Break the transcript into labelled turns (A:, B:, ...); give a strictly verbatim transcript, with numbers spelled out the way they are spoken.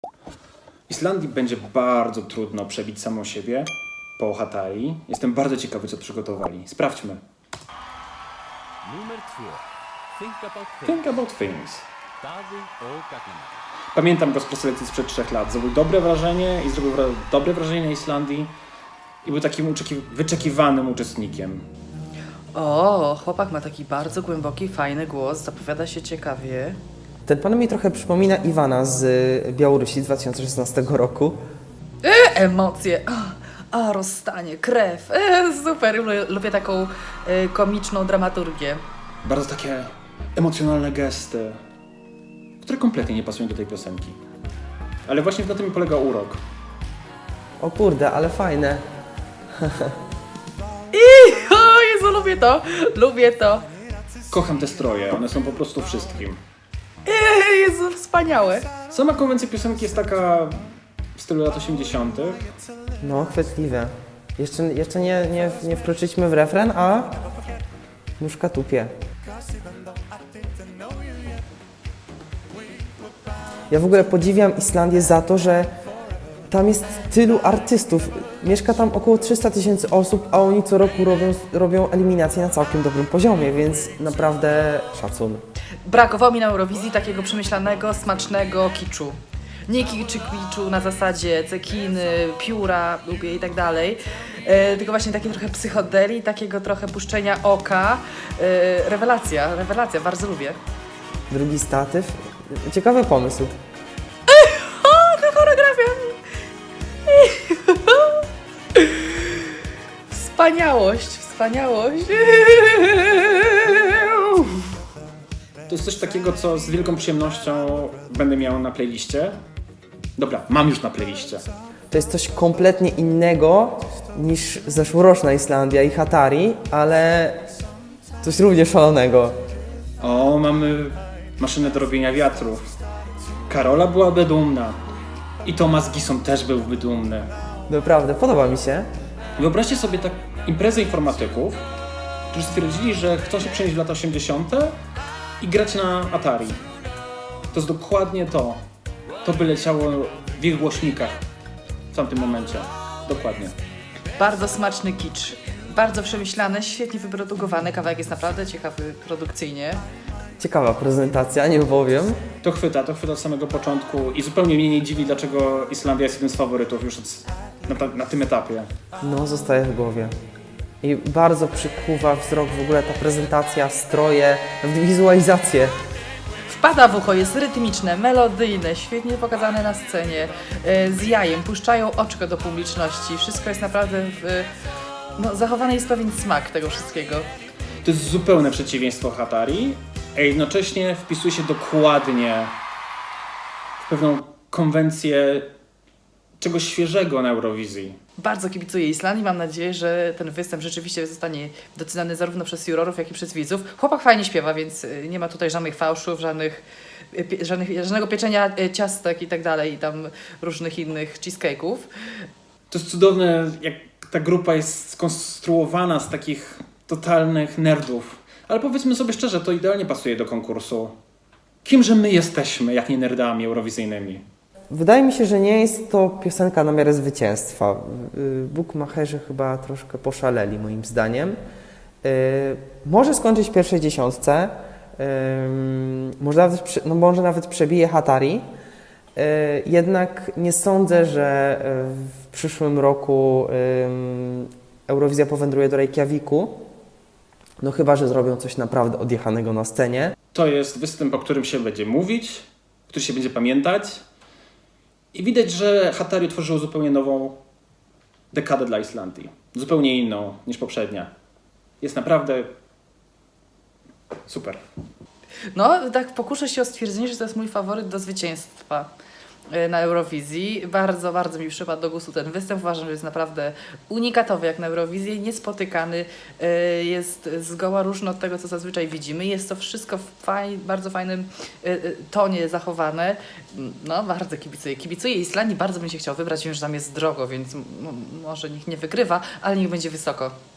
A: Islandii będzie bardzo trudno przebić samą siebie po Hatari. Jestem bardzo ciekawy, co przygotowali. Sprawdźmy.
B: Numer dwa. Think about things.
A: Think about things.
B: Daði Ógagna.
A: Pamiętam go z preselekcji sprzed trzech lat. Zrobił dobre wrażenie i zrobił wra- dobre wrażenie na Islandii. I był takim uczeki- wyczekiwanym uczestnikiem.
C: O, chłopak ma taki bardzo głęboki, fajny głos, zapowiada się ciekawie.
D: Ten pan mi trochę przypomina Iwana z y, Białorusi z dwa tysiące szesnastego roku.
C: E, emocje, a, a rozstanie, krew, e, super, lubię, lubię taką e, komiczną dramaturgię.
A: Bardzo takie emocjonalne gesty, które kompletnie nie pasują do tej piosenki. Ale właśnie na tym polega urok.
D: O kurde, ale fajne.
C: I, o Jezu, lubię to, lubię to.
A: Kocham te stroje, one są po prostu wszystkim.
C: E, Jezu, wspaniałe.
A: Sama konwencja piosenki jest taka w stylu lat osiemdziesiątych.
D: No, chwytliwe. Jeszcze, jeszcze nie, nie, nie wkroczyliśmy w refren, a nóżka tupie. Ja w ogóle podziwiam Islandię za to, że tam jest tylu artystów. Mieszka tam około trzysta tysięcy osób, a oni co roku robią, robią eliminacje na całkiem dobrym poziomie, więc naprawdę szacun.
C: Brakowało mi na Eurowizji takiego przemyślanego, smacznego kiczu. Nie kiczu, kiczu na zasadzie cekiny, pióra, lubię i tak dalej, e, tylko właśnie takie trochę psychodeli, takiego trochę puszczenia oka. E, rewelacja, rewelacja, bardzo lubię.
D: Drugi statyw. Ciekawy pomysł.
C: O, ta choreografia! Wspaniałość, wspaniałość.
A: To jest coś takiego, co z wielką przyjemnością będę miał na playliście. Dobra, mam już na playliście.
D: To jest coś kompletnie innego niż zeszłoroczna Islandia i Hatari, ale coś równie szalonego.
A: O, mamy maszynę do robienia wiatrów. Karola byłaby dumna. I Thomas Gison też byłby dumny.
D: Naprawdę, podoba mi się.
A: Wyobraźcie sobie tak imprezę informatyków, którzy stwierdzili, że chcą się przenieść w lata osiemdziesiąte i grać na Atari. To jest dokładnie to. To by leciało w ich głośnikach w tamtym momencie. Dokładnie.
C: Bardzo smaczny kicz, bardzo przemyślany, świetnie wyprodukowany, kawałek jest naprawdę ciekawy produkcyjnie.
D: Ciekawa prezentacja, nie powiem.
A: To chwyta, to chwyta od samego początku i zupełnie mnie nie dziwi, dlaczego Islandia jest jednym z faworytów już od, na, ta, na tym etapie.
D: No, zostaje w głowie. I bardzo przykuwa wzrok w ogóle ta prezentacja, stroje, nawet wizualizacje.
C: Wpada w ucho, jest rytmiczne, melodyjne, świetnie pokazane na scenie, e, z jajem, puszczają oczko do publiczności, wszystko jest naprawdę w, no, zachowany jest pewien smak tego wszystkiego.
A: To jest zupełne przeciwieństwo Hatari, a jednocześnie wpisuje się dokładnie w pewną konwencję czegoś świeżego na Eurowizji.
C: Bardzo kibicuję Islandii, mam nadzieję, że ten występ rzeczywiście zostanie doceniony zarówno przez jurorów, jak i przez widzów. Chłopak fajnie śpiewa, więc y, nie ma tutaj żadnych fałszów, żadnych, y, pie, żadnych żadnego pieczenia y, ciastek i tak dalej, i tam różnych innych cheesecake'ów.
A: To jest cudowne, jak ta grupa jest skonstruowana z takich totalnych nerdów. Ale powiedzmy sobie szczerze, to idealnie pasuje do konkursu. Kimże my jesteśmy, jak nie nerdami eurowizyjnymi?
D: Wydaje mi się, że nie jest to piosenka na miarę zwycięstwa. Y, Bookmacherzy chyba troszkę poszaleli, moim zdaniem. Y, Może skończyć w pierwszej dziesiątce, y, może nawet, prze- no może nawet przebije Hatari. Y, Jednak nie sądzę, że y, w przyszłym roku y, Eurowizja powędruje do Reykjaviku. No chyba, że zrobią coś naprawdę odjechanego na scenie.
A: To jest występ, o którym się będzie mówić, który się będzie pamiętać. I widać, że Hatari tworzyło zupełnie nową dekadę dla Islandii. Zupełnie inną niż poprzednia. Jest naprawdę super.
C: No, tak pokuszę się o stwierdzenie, że to jest mój faworyt do zwycięstwa y, na Eurowizji. Bardzo, bardzo mi przypadł do gustu ten występ. Uważam, że jest naprawdę unikatowy jak na Eurowizji, niespotykany. y, Jest zgoła różny od tego, co zazwyczaj widzimy. Jest to wszystko w faj, bardzo fajnym y, y, tonie zachowane. No, bardzo kibicuję. Kibicuję Islandii, bardzo bym się chciał wybrać, wiem, że tam jest drogo, więc m- m- może niech nie wygrywa, ale niech będzie wysoko.